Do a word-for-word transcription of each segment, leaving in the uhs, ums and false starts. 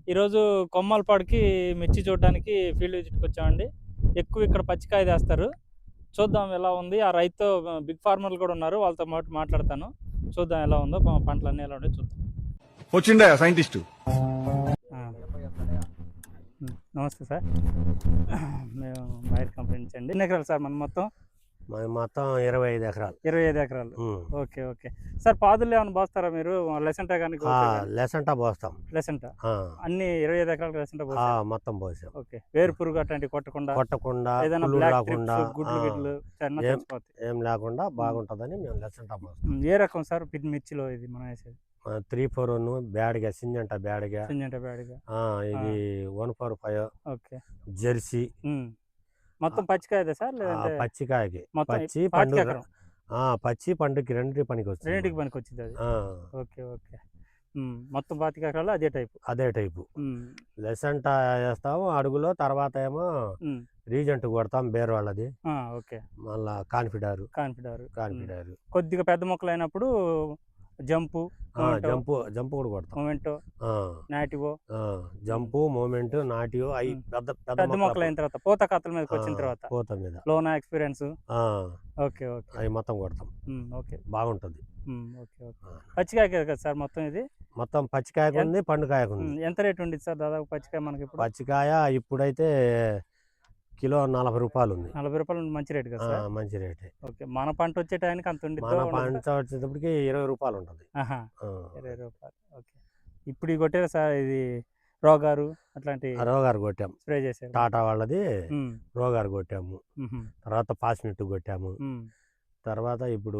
ఈరోజు కొమ్మలపాడుకి మిర్చి చూడడానికి ఫీల్డ్ విజిట్కి వచ్చామండి. ఎక్కువ ఇక్కడ పచ్చికాయ తెస్తారు. చూద్దాం ఎలా ఉంది. ఆ రైతుతో బిగ్ ఫార్మర్లు కూడా ఉన్నారు. వాళ్ళతో మాట మాట్లాడతాను. చూద్దాం ఎలా ఉందో, ప- పంటలన్నీ ఎలా ఉంటాయో చూద్దాం. వచ్చిండా సైంటిస్ట్. ఆ, ఉమ్, నమస్తే సార్. మేము బయట కంపెనీ నుంచి అండి. ఎన్ని ఎకరాలు సార్ మనం మొత్తం? మరి మొత్తం ఇరవై ఐదు ఎకరాలు. ఇరవై ఐదు ఎకరాలు. ఉమ్. ఓకే ఓకే సార్, పాదులు ఏమైనా పోస్తారా మీరు? లెసెంటా కానీ ఆ, లెసంటా పోస్తాం. లెసెంటా ఆ, అన్ని ఇరవై ఐదు ఎకరాలు లెసెంటా ఆ, పోస్తాం. మొత్తం పోసాం. ఓకే, వేరు పురుగు అట్లాంటివి కొట్టకుండా, కొట్టకుండా ఏదైనా పుల్లు బ్లాక్ రాకుండా ట్రిప్స్, గుడ్లు ఆ, గిడ్లు చిన్న ఏం చచ్చిపోతాయి. ఏం లేకుండా బాగుంటుందని మేము లెసంటా పోస్తాం. ఉమ్, ఏ రకం సార్ పిట్ మిర్చిలో ఇది మనం వేసేది? త్రీ ఫోర్ వన్ బ్యాడ్గా సింజంట బ్యాడ్గా, సింజంటా బ్యాడ్గా. ఆ, ఇది one four five okay. Jersey. ఉమ్. మొత్తం పచ్చికాయదే సార్ ఆ, లేదంటే పచ్చికాయకి మొత్తం పచ్చి పాతిక పండు ఎకరం? ఆ, పచ్చి పండుకి రెండింటి పనికి వస్తుంది. రెండింటికి పనికి వచ్చింది అది. ఆ, ఓకే ఓకే. ఉమ్, మొత్తం పాతిక ఎకరాలు అదే టైపు. అదే టైపు ఉమ్, లెసంటా వేస్తాము అడుగులో. తర్వాత ఏమో ఉమ్. రీజెంట్ కొడతాం బేర్ వాళ్ళది. ఆ, ఓకే. మళ్ళా కాన్ఫిడారు కాన్ఫిడర్. కాన్ఫిడారు కొద్దిగా పెద్ద మొక్కలు అయినప్పుడు జంపు, జంపు జంపు కూడా కొడతాం. మొమెంటో, ఆ, నాటివో. ఆ, జంపు మూమెంట్ నాటియో అవి ఉమ్. పెద్ద పెద్ద పెద్ద మొక్కలు మొక్కలు అయిన తర్వాత పూత కత్తల మీదకి వచ్చిన ఆ, తర్వాత పూత మీద లోనా ఎక్స్పీరియన్స్. ఆ, ఓకే ఓకే. అవి మొత్తం కొడతాం. ఉమ్, ఓకే. బాగుంటుంది. ఉమ్, ఓకే ఓకే. ఆ, పచ్చికాయ కదా సార్ మొత్తం ఇది? మొత్తం పచ్చికాయకు ఉంది పండుకాయకు ఉమ్, ఉంది. ఎంత రేట్ ఉండిద్ది సార్ దాదాపు పచ్చికాయ మనకి ఇప్పుడు? పచ్చికాయ ఇప్పుడైతే కిలో నలభై రూపాయలు ఉంది. నలభై రూపాయలు ఉండి మంచి రేట్ కదా ఆ, సార్? మంచి రేటే. ఓకే, మన పంట వచ్చే టైంకి అంత ఉండిద్దో మన ఉండదో? పంట వచ్చేటప్పటికి ఇరవై రూపాయలు ఉంటుంది. ఆహా, ఆ, ఇరవై రూపాయలు. ఓకే. ఇప్పుడు ఈ కొట్టారు సార్ ఇది రోగారు అట్లాంటి ఆ రోగారు కొట్టాము. స్ప్రే చేశారు? టాటా వాళ్ళది ఉమ్, రోగారు కొట్టాము. ఉహుం, తర్వాత పాస్మిట్ కొట్టాము. ఉమ్, తర్వాత ఇప్పుడు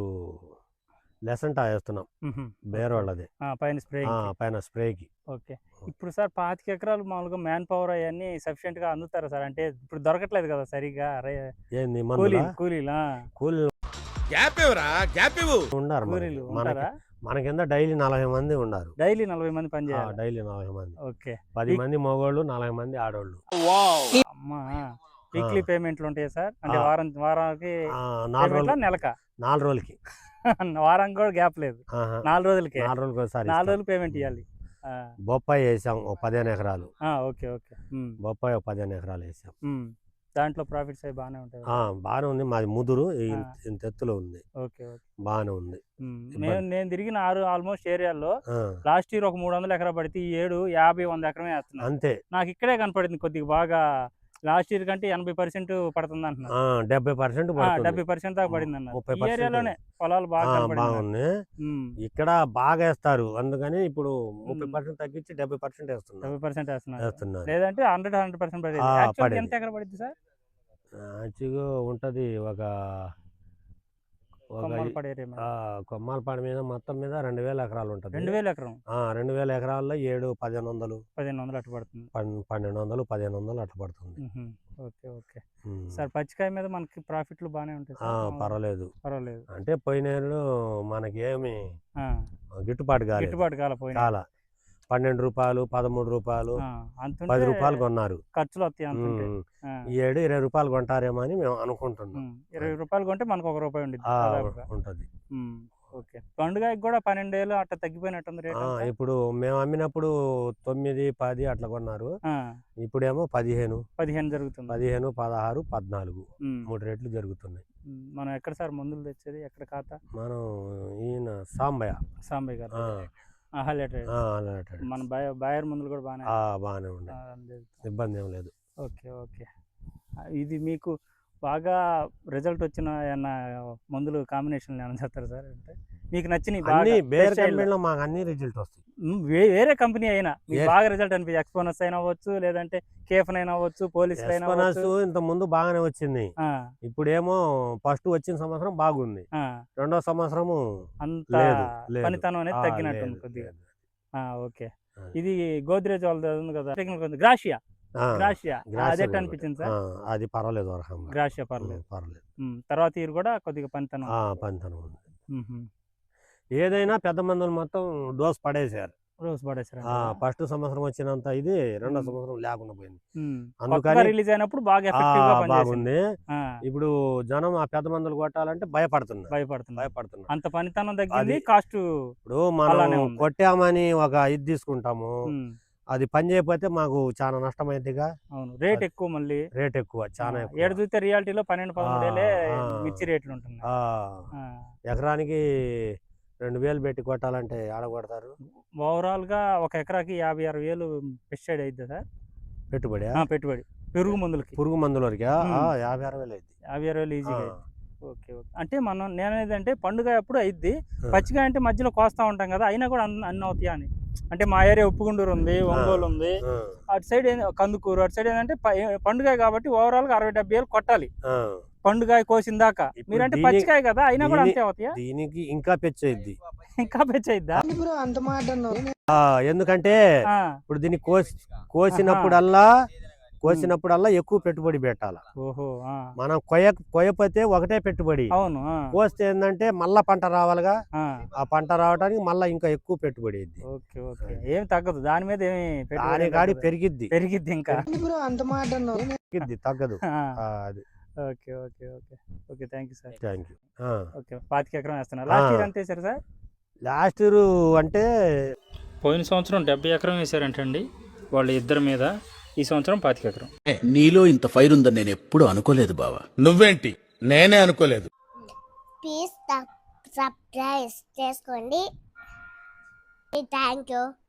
లెసంటా వేస్తున్నాం ఉహుం. బేర్ వాళ్ళది. ఆ, పైన స్ప్రే. ఆ, పైన స్ప్రేకి. ఓకే. ఇప్పుడు సార్ పాతిక ఎకరాలు మామూలుగా మ్యాన్ పవర్ అవన్నీ సఫిషియెంట్ గా అందుతారా సార్? అంటే ఇప్పుడు దొరకట్లేదు కదా సరిగా. ఏంది మందులా? కూలీలు కూలీలు ఆ. కూలీలు గ్యాప్ ఇవ్వరా గ్యాప్ ఇవ్వు. ఉన్నారు మనకి. కూలీలు మనకి ఉంటారా? మన కింద డైలీ నలభై మంది ఉన్నారు. డైలీ నలభై మంది పని చేయాలి? డైలీ నలభై మంది. ఓకే. పది వీక్- మంది మగవాళ్ళు నలభై మంది ఆడవాళ్ళు. అమ్మా, వీక్లీ పేమెంట్లు ఉంటాయి సార్? అంటే ఆ. వారం వారానికి ఆ, నాలుగు పేమెంట్లా రోజులు నెలకా? నాలుగు రోజులకి వారానికి కూడా గ్యాప్ లేదు, ఆహా, నాలుగు రోజులకే. నాలుగు రోజులకి ఒకసారి నాలుగు ఇస్తాం. రోజులు పేమెంట్ ఇవ్వాలి. ఆ, బొప్పాయి వేసాం ఒక పదిహేను ఎకరాలు. ఆ, ఓకే ఓకే. ఉమ్, బొప్పాయి ఒక పదిహేను ఎకరాలు వేసాం. ఉమ్. దాంట్లో ప్రాఫిట్స్ అవి బాగానే ఉంటాయి ఆ, కదా? బాగానే ఉంది. మాది ముదురు ఈ ఆ. ఇంత- ఇంత ఎత్తులో ఉంది. Okay okay. బాగానే ఉంది. ఉమ్, ఇబ్బంది. నేను నేను తిరిగిన ఆరు ఆల్మోస్ట్ ఏరియాల్లో ఆ, లాస్ట్ ఇయర్ ఒక మూడు వందల ఎకరా పడితే ఈ ఏడు యాభై వంద ఎకరమే వేస్తున్నారు. అంతే. నాకు ఇక్కడే కనపడింది కొద్దిగా బాగా. లాస్ట్ ఇయర్ కంటే ఎనభై పర్సెంట్ పడుతుంది అంటున్నారు. ఆ, డెబ్బై పర్సెంట్ పడుతుంది. డెబ్బై పర్సెంట్ దాకా పడింది అన్నారు. ముప్పై ఈ percent ఏరియాలోనే పొలాలు బాగా ఆ, కనపడింది నాకు. బాగుంది. ఉమ్, ఇక్కడ బాగా వేస్తారు అందుకని ఇప్పుడు ముప్పై ఉమ్. పర్సెంట్ తగ్గించి డెబ్బై పర్సెంట్ వేస్తున్నారు డెబ్బై పర్సెంట్ వేస్తున్నారు. వేస్తున్నారు. లేదంటే హండ్రెడ్ హండ్రెడ్ పర్సెంట్ పడేది. ఆ, యాక్చువల్గా పడేది. ఎంత ఎకర పడింది సార్? మంచిగా ఉంటుంది. ఒక ఒక కొమ్మలపాడు ఏరియా మీద ఆ, కొమ్మాలపాడు మీద మొత్తం మీద రెండు వేల ఎకరాలు ఉంటుంది. రెండు వేల ఎకరం ఆ, రెండు వేల ఎకరాల్లో ఏడు పదిహేను వందలు పదిహేను వందలు అట్టు పడుతుంది. పన్- పన్నెండు వందలు పదిహేను వందలు అట్లా పడుతుంది. ఉహుం. ఓకే ఓకే ఉమ్. సార్, పచ్చికాయ మీద మనకి ప్రాఫిట్లు బాగానే ఉంటాయి ఆ, సార్? మామూలుగా పర్వాలేదు. పర్వాలేదు. అంటే పోయిన ఏళ్ళు మనకి ఏమి ఆ, గిట్టుబాటు కాలేదు. గిట్టుబాటు కాల పోయినా చాలా పన్నెండు రూపాయలు పదమూడు రూపాయలు అంత పది రూపాయలు కొన్నారు. ఖర్చులు వస్తాయి అంత ఉంటే. ఉమ్. ఆ, ఈ ఏడు ఇరవై రూపాయలు కొంటారేమో అని మేము అనుకుంటున్నాం. ఉమ్, ఇరవై రూపాయలు కొంటే మనకు ఒక రూపాయి ఉండిద్ది ఆ, దాదాపుగా. ఉంటది. ఉమ్, ఓకే. పండుగకి కూడా పన్నెండు వేలు అట్లా తగ్గిపోయినట్టుంది రేట్ ఆ, అంతా. ఇప్పుడు మేము అమ్మినప్పుడు తొమ్మిది పది అట్లా కొన్నారు. ఆ, ఇప్పుడేమో పదిహేను పదిహేను జరుగుతుంది. పదిహేను పదహారు పద్నాలుగు ఉమ్, మూడు రేట్లు జరుగుతున్నాయి. ఉమ్, మనం ఎక్కడ సార్ మందులు తెచ్చేది? ఎక్కడ ఖాతా? మనం ఈయన సాంబయ్య. సాంబయ్య గారు. ఆ, ఆహా, లేటర్. ఆ, అలాంటి. మన బాయ బాయర్ మందులు కూడా బాగానే ఆ, బాగానే ఉండే. ఆ, అందుకు. ఇబ్బంది ఏం లేదు. Okay okay. ఆ, ఇది మీకు బాగా రిజల్ట్ వచ్చిన ఏమన్నా మందులు కాంబినేషన్లు ఏమైనా చెప్తారు సార్? అంటే మీకు నచ్చినవి బాగా అన్ని బేర్ best style లో. కంపెనీలో మాకు అన్ని రిజల్ట్ వస్తాయి. ఉమ్, వే- వేరే కంపెనీ అయినా మీకు ఏ- బాగా రిజల్ట్ అనిపించి ఎక్స్పోనస్ అయినా అవ్వచ్చు, లేదంటే కేఫన్ అయినా అవ్వచ్చు, పోలీస్ అయినా ఎస్పనస్ అవ్వచ్చు. ఇంత ముందు బాగానే వచ్చింది. ఆ, ఇప్పుడేమో ఫస్ట్ వచ్చిన సంవత్సరం బాగుంది. ఆ, రెండో సంవత్సరము అంత లేదు, లేదు. పనితనం అనేది ఆ, తగ్గినట్టుంది లేదు, కొద్దిగా. లేదు. ఆ, ఓకే. ఆ. ఇది గోద్రేజ్ వాళ్ళది ఉంది కదా, టెక్నికల్ గ్రాషియా. ఆ, గ్రాషియా గ్రాసియా అదే కూడా. అనిపించింది ఆ, సార్? అది పర్వాలేదు. ఒక రకంగా. గ్రాషియా పర్లేదు. ఉమ్, పర్వాలేదు. ఉమ్, తర్వాత ఇయర్ కూడా కొద్దిగా పనితనం. ఆ, పనితనం ఉంది. ఉహుం. ఏదైనా పెద్ద మందులు మొత్తం డోస్ పడేసారు. రోజు పడేసారు. ఫస్ట్ సంవత్సరం వచ్చినంత ఇది రెండో సంవత్సరం లేకుండా పోయింది. అందుకని అందుకని రిలీజ్ అయినప్పుడు బాగా ఆ, ఎఫెక్టివ్ గా పనిచేసింది. బాగుంది. ఆ, ఇప్పుడు జనం ఆ పెద్ద మందులు కొట్టాలంటే భయపడుతున్నారు. భయపడుతుంది. భయపడుతున్నారు. అంత పనితనం తగ్గింది, అది- కాస్ట్. ఇప్పుడు అలానే మనం ఉంది. కొట్టామని ఒక ఇది తీసుకుంటాము. ఉమ్, అది పని చేయకపోతే మాకు చాలా నష్టమైందిగా. అవును, రేట్ అది ఎక్కువ మళ్ళీ. రేట్ ఎక్కువ, చాలా ఆ, ఎక్కువ. ఏడు చూస్తే రియాలిటీలో పన్నెండు పదమూడు వేలే ఆ, మిర్చి రేట్లు ఉంటున్నాయి. ఆ, ఆ, ఎకరానికి రెండు వేలు పెట్టి కొట్టాలంటే ఆడ కొడతారు. ఓవరాల్గా ఒక ఎకరాకి యాభై ఆరు వేలు పెస్టిసైడ్ అవుతుంది సార్ పెట్టుబడి ఆ, పెట్టుబడి పెరుగు మందులకి. పురుగు మందుల వరకు ఉమ్. యాభై అరవై వేలు అయింది. యాభై ఆరు వేలు ఈజీగా అయింది. ఓకే ఓకే, అంటే మనం నేనేది అంటే పండుగ ఎప్పుడు అయిద్ది, ఆ. పచ్చికాయ అంటే మధ్యలో కోస్తా ఉంటాం కదా, అయినా కూడా అన్ని అన్ని అవుతాయా అని. అంటే మా ఏరియా ఉప్పుగుండూరు ఉంది, ఒంగోలు ఉంది, ఆ, అటు సైడ్ ఏంది కందుకూరు, అటు సైడ్ ఏంటంటే పండుగ కాబట్టి ఓవరాల్గా అరవై డెబ్బై వేలు కొట్టాలి ఆ. పండుగ కోసిన దాకా. ఇప్పుడు మీరంటే దీని- పచ్చికాయ కదా, అయినా కూడా దీని- అంతే అవుతాయా? దీనికి ఇంకా పెంచేది. ఇంకా పెంచయిద్దా? ఎందుకంటే ఆ, ఇప్పుడు దీన్ని కోసి కోసినప్పుడల్లా కోసినప్పుడల్లా ఎక్కువ పెట్టుబడి పెట్టాలి. ఓహో, ఆ, మనం కొయ్య కొయ్యపోతే ఒకటే పెట్టుబడి, అవును, ఆ, కోస్తే ఏంటంటే మళ్ళా పంట రావాలిగా. ఆ, ఆ పంట రావడానికి మళ్ళా ఇంకా ఎక్కువ పెట్టుబడి అయింది. ఓకే ఓకే, ఏం తగ్గదు దాని మీద, ఏమి పెట్టుబడి దాని ఏం కాడి తగ్గదు. పెరిగిద్ది పెరిగిద్ది ఇంకా. పెరిగిద్ది తగ్గదు. ఆ, ఆ, అది okay okay okay okay, thank you sir. Thank you. Okay, పాతిక ఎకరం వేస్తున్నారు. లాస్ట్ ఇయర్ ఎంత వేసారు సార్? లాస్ట్ ఇయర్ అంటే పోయిన సంవత్సరం డెబ్బై ఎకరం వేసారంటండి వాళ్ళ ఇద్దరి మీద, ఈ సంవత్సరం పాతిక ఎకరం. నీలో ఇంత ఫైర్ ఉందని నేను ఎప్పుడూ అనుకోలేదు బావా. నువ్వేంటి, నేనే అనుకోలేదు. ప్లీజ్ సబ్స్క్రైబ్ చేసుకోండి. Thank you.